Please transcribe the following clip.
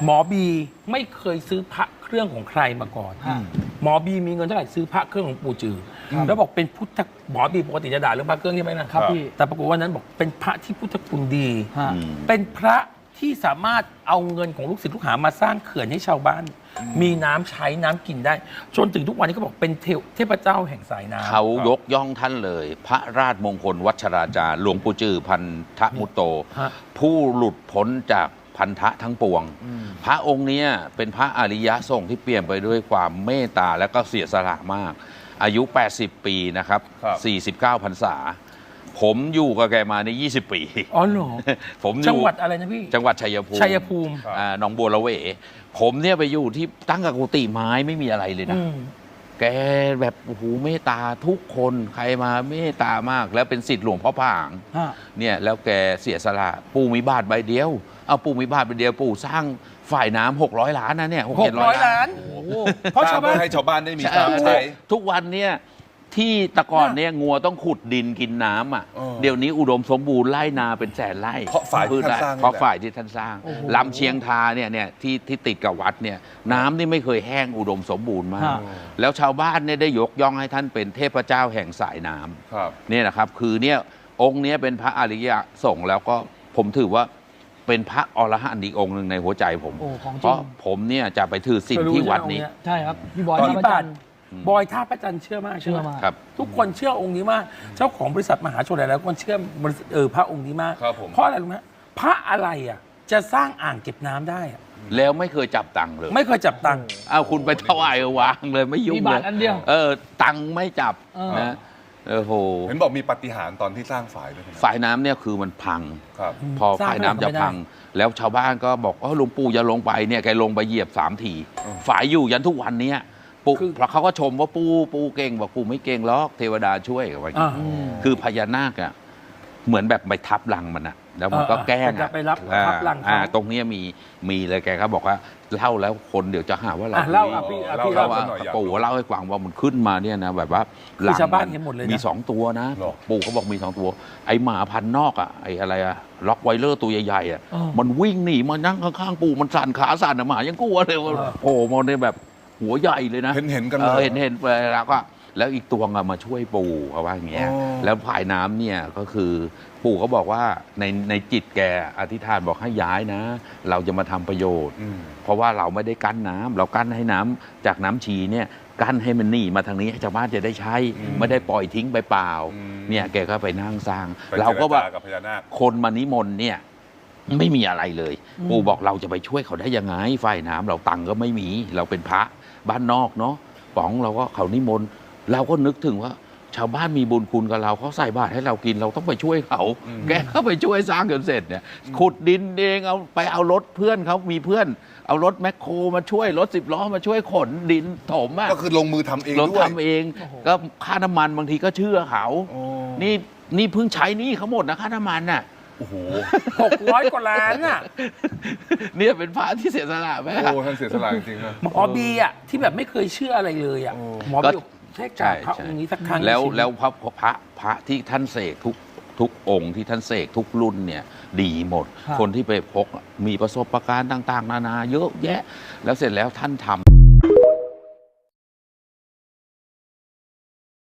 หมอบีไม่เคยซื้อพระเครื่องของใครมาก่อนหมอบีมีเงินเท่าไหร่ซื้อพระเครื่องของปู่จือแล้วบอกเป็นพุทธหมอบีปกติจะด่าเรื่องพระเครื่องใช่ไหมนะครับพี่แต่ปรากฏว่านั้นบอกเป็นพระที่พุทธคุณดีเป็นพระที่สามารถเอาเงินของลูกศิษย์ลูกหามาสร้างเขื่อนให้ชาวบ้านมีน้ำใช้น้ำกินได้จนถึงทุกวันนี้เขาบอกเป็นเทพเจ้าแห่งสายน้ำเขายกย่องท่านเลย พระราชมงคลวัชราจารย์หลวงปู่จือพันธมุตโต ผู้หลุดพ้นจากพันธะทั้งปวง พระองค์นี้เป็นพระอริยะทรงที่เปลี่ยนไปด้วยความเมตตาและก็เสียสละมาก อายุ 80 ปีนะครับ 49 พรรษา ผมอยู่กับแกมาใน 20 ปีอ๋อเหรอผมจังหวัดอะไรนะพี่จังหวัดชัยภูมิหนองบัวระเวผมเนี่ยไปอยู่ที่ตั้งกับกุฏิไม้ไม่มีอะไรเลยนะแกแบบโอ้โหเมตตาทุกคนใครมาเมตตามากแล้วเป็นศิษย์หลวงพ่อผางเนี่ยแล้วแกเสียสละปู่มีบาทใบเดียวเอาปู่มีบาทใบเดียวปู่สร้างฝ่ายน้ำ600 ล้านนะเนี่ย 600 ล้านเพราะชาวบ้านให้ชาวบ้านได้มีน้ำใช้ทุกวันเนี่ยที่ตะกอนเนี่ยงัวต้องขุดดินกินน้ำอ่ะเดี๋ยวนี้อุดมสมบูรณ์ไร่นาเป็นแสนไร่เพราะฝ่ายที่ท่านสร้างเพราะฝ่ายที่ท่านสร้างลำเชียงทาเนี่ยที่ติดกับวัดเนี่ยน้ำนี่ไม่เคยแห้งอุดมสมบูรณ์มากแล้วชาวบ้านเนี่ยได้ยกย่องให้ท่านเป็นเทพเจ้าแห่งสายน้ำเนี่ยนะครับคือเนี่ยองค์นี้เป็นพระอริยสงฆ์แล้วก็ผมถือว่าเป็นพระอรหันต์อีกองค์หนึ่งในหัวใจผมเพราะผมเนี่ยจะไปถือศีลที่วัดนี้ใช่ครับพี่บอยท่าพระจันทร์บอยท่าพระจันทร์เชื่อมากครับทุกคนเชื่อองค์นี้มากเจ้าของบริษัทมหาชนหลายๆคนเชื่อบริษัทพระองค์นี้มากเพราะอะไรรู้ไหมพระอะไรอ่ะจะสร้างอ่างเก็บน้ำได้แล้วไม่เคยจับตังค์เลยไม่เคยจับตังค์เอาคุณไปถวายวางเลยไม่ยุ่งเลยมีบาทอันเดียวตังค์ไม่จับนะโหเห็นบอกมีปาฏิหาริย์ตอนที่สร้างฝายด้วยฝายน้ำเนี่ยคือมันพังพอฝายน้ำจะพังแล้วชาวบ้านก็บอกหลวงปู่อย่าลงไปเนี่ยแกลงไปเหยียบ3 ทีฝายอยู่ยันทุกวันนี้ปู่เพราะเขาก็ชมว่าปู่เก่งบอกปู่ไม่เก่งหรอกเทวดาช่วยไว้คือพญานาคอ่ะเหมือนแบบไปทับรังมันอ่ะแล้วมันก็แกล้งไปรับทับรังตรงนี้มีเลยแกเขาบอกว่าเล่าแล้วคนเดี๋ยวจะหาว่าเราเล่าพี่เล่าว่าปู่เล่าให้ฟังว่ามันขึ้นมาเนี่ยนะแบบว่าชาวบ้านเห็นหมดเลยมี2 ตัวนะปู่เขาบอกมี2 ตัวไอหมาพันนอกอ่ะไออะไรอะล็อกไวเลอร์ตัวใหญ่ๆอ่ะมันวิ่งหนีมานั่งข้างๆปู่มันสั่นขาสั่นหมายังกลัวเลยโอ้มันเนี่ยแบบหัวใหญ่เลยนะเห็นกันเลยเห็นแล้วก็แล้วอีกตัวมาช่วยปู่เขาว่าอย่างเงี้ยแล้วผายน้ำเนี่ยก็คือปู่เขาบอกว่าในจิตแกอธิษฐานบอกให้ย้ายนะเราจะมาทำประโยชน์เพราะว่าเราไม่ได้กั้นน้ำเรากั้นให้น้ำจากน้ำชีเนี่ยกั้นให้มันหนีมาทางนี้ชาวบ้านจะได้ใช้ไม่ได้ปล่อยทิ้งไปเปล่าเนี่ยแกก็ไปนั่งสร้างเราก็ว่าคนมานิมนต์เนี่ยไม่มีอะไรเลยปู่บอกเราจะไปช่วยเขาได้ยังไงฝ่ายน้ำเราตังก็ไม่มีเราเป็นพระบ้านนอกเนาะป๋องเราก็เขานิมนต์เราก็นึกถึงว่าชาวบ้านมีบุญคุณกับเราเขาใส่บาตรให้เรากินเราต้องไปช่วยเขาแกก็ไปช่วยสร้างจนเสร็จเนี่ยขุดดินเองเอารถเพื่อนเขามีเพื่อนเอารถแมคโครมาช่วยรถ10 ล้อมาช่วยขนดินถมก็คือลงมือทำเองด้วยทำเองก็ค่าน้ำมันบางทีก็เชื่อเขานี่เพิ่งใช้นี่เขาหมดนะค่าน้ำมันน่ะโอ้โห 600 กว่าล้านอ่ะเนี่ยเป็นพระที่เสียสละไหมโอ้ท่านเสียสละจริงๆนะหมอบีอ่ะที่แบบไม่เคยเชื่ออะไรเลยอ่ะหมอบีใช่จ่าพระองค์นี้สักครั้งแล้วพระที่ท่านเสกทุกองค์ที่ท่านเสกทุกรุ่นเนี่ยดีหมดคนที่ไปพกมีประสบการณ์ต่างๆนานาเยอะแยะแล้วเสร็จแล้วท่านทำ